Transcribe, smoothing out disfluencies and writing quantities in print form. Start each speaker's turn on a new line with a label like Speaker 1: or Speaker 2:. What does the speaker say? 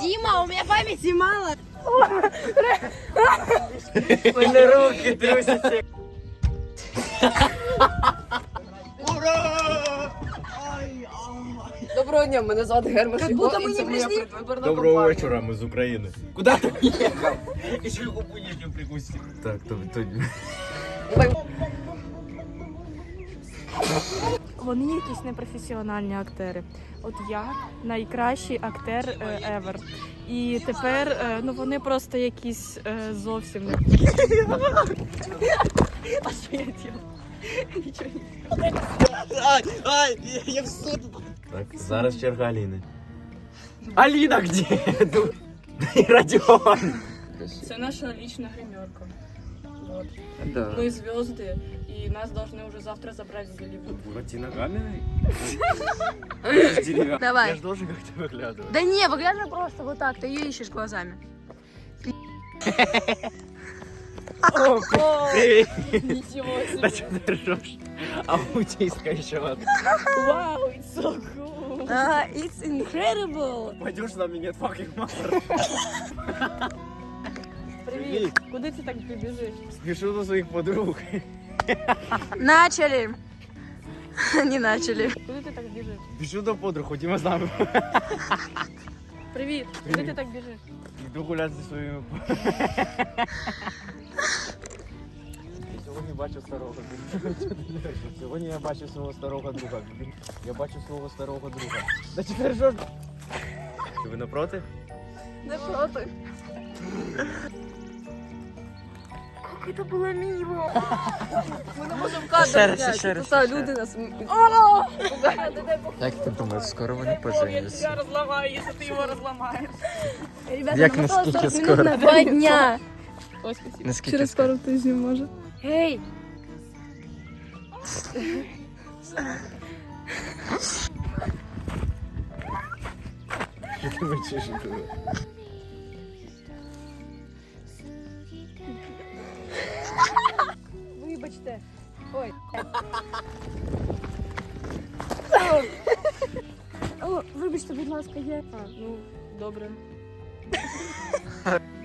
Speaker 1: Дима, у меня памяти мало.
Speaker 2: Мене руки трусяться.
Speaker 3: Доброго дня, мене звати Герман
Speaker 1: Как
Speaker 3: Шіго,
Speaker 1: будто
Speaker 3: і
Speaker 1: ми
Speaker 3: це
Speaker 1: не
Speaker 3: моя
Speaker 1: прийшли.
Speaker 3: предвиборна
Speaker 4: Доброго
Speaker 3: кампанія.
Speaker 4: вечора, ми з України.
Speaker 2: Куди ти їхав? І ще губу нижню прикусив.
Speaker 4: Так, то...
Speaker 5: Вони якісь непрофесіональні актери. От я найкращий актер ever. І тепер ну вони просто якісь зовсім не. А що я діла? Нічого не.
Speaker 2: Ай, я в суд.
Speaker 4: Так, зараз черга Аліни.
Speaker 2: Аліна где? І Радіон.
Speaker 5: Це наша лічна гримерка. Вот.
Speaker 2: Да.
Speaker 5: Мы звезды, и нас должны уже завтра забрать в Голливуд.
Speaker 4: Буратино каменный? Я
Speaker 1: Давай.
Speaker 4: ж должен как-то выглядывать.
Speaker 1: Да не, выглядывай просто вот так, ты ее ищешь глазами.
Speaker 2: Привіт.
Speaker 5: Ничего
Speaker 2: Да
Speaker 5: себе.
Speaker 2: что ты ржешь? Аутистка еще одна.
Speaker 5: Вау, it's so cool.
Speaker 1: It's incredible.
Speaker 2: Пойдешь на меня, fucking mother.
Speaker 5: Привіт. Куди ти так побіжиш?
Speaker 2: Спешу до своих подруг.
Speaker 1: Начали. Не начали.
Speaker 5: Куди ти так біжиш?
Speaker 2: Спешу до подруг, ходімо з нами.
Speaker 5: Привіт. Куди ти так біжиш?
Speaker 2: Йду гуляти зі своїми. Сьогодні бачу старого друга. Сьогодні я бачу свого старого друга. Я бачу свого старого друга. Да чи ти ржеш?
Speaker 4: Ви напроти?
Speaker 5: Не проти. Як це було мило. Ми не можемо кадр зняти.
Speaker 3: ще раз,
Speaker 5: Тут
Speaker 3: ще
Speaker 5: люди нас...
Speaker 3: Як ти думаєш, скоро вони поженяться?
Speaker 5: Я розламаю, якщо ти його розламаєш.
Speaker 1: Ребята,
Speaker 3: Як
Speaker 1: нам осталось
Speaker 3: наскільки
Speaker 1: 40 минут
Speaker 3: скоро?
Speaker 1: на 2 дня.
Speaker 5: Ой, спасибо.
Speaker 3: Наскільки скоро?
Speaker 5: тижнів може.
Speaker 1: Эй,
Speaker 4: Ви чешете?
Speaker 1: вибачте. Ой. О, вибачте, будь ласка, я.
Speaker 5: Ну, добре.